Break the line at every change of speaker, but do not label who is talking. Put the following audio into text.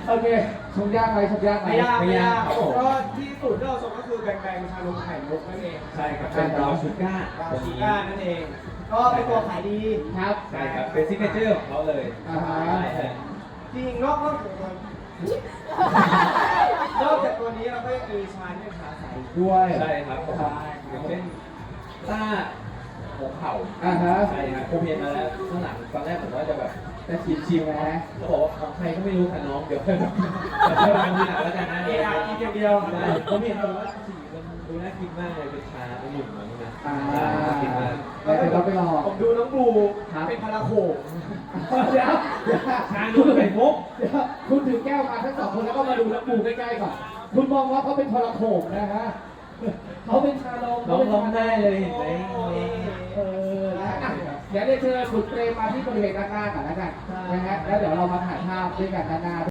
โอเคชงยากไหมชงยากไหม
ไม่ยาก
ครับผมก็ที่สูตรที่เราชมก็คือแบงชานมไข่มุกนั่นเอง
ใช่ครับเป็นบราวน์ชูก้า
บราวน์ชูก้านั่นเอง ก็เป็นตัวขายดี
ครับ
ใช่ครับเป็นซิกเนเจอร์ของเขาเลย
อ่าฮะ
ใช่
จริงนอกจากตัวนี้เราก็ยังมีชาที่เป็นชาใส
ด้วย
ใช่ครับผมอย่างเช่นต้าหัวเข่า
อ่าฮะ
ใช่ครับผมเห็นมาแล้วข้างหลังตอนแรกผมว่าจะแบบ
จะชิมๆนะ
เขาบอกว่าของใครก็ไม่รู้ค่ะน้องเดี๋ยวค่อยมาทำทีหลังแล้วกันนะ
เอไอกินอย่างเดียว
ได้ผมเห็นแบบว่าสีมันดูน่ากินมากเลยเป็นชาเป็นหนุ่มเหมือนกันนะ
อ่า
น่ากินมาก
แล้วเดี๋ยวเราไปลอง
ผมดูน้องบลู
ครับ
เป็นพาราโขง
เดี๋ยว
ชานุ่มไข่มุก
เดี๋ยวคุณถือแก้วมาทั้งสองคนแล้วก็มาดูน้ำปูใกล้ๆก่อนคุณมองว่าเขาเป็นทรโขงนะฮะเขาเป็นชาลม
น้องร้องได้เลยเห็นไหม
เออนะอ่ะเดี๋ยวได้เชิญคุณเปรมมาที่บริเวณด้านหน้าก่อนแล้วกันนะฮะแล้วเดี๋ยวเรามาถ่ายภาพด้วยกันด้านหน้า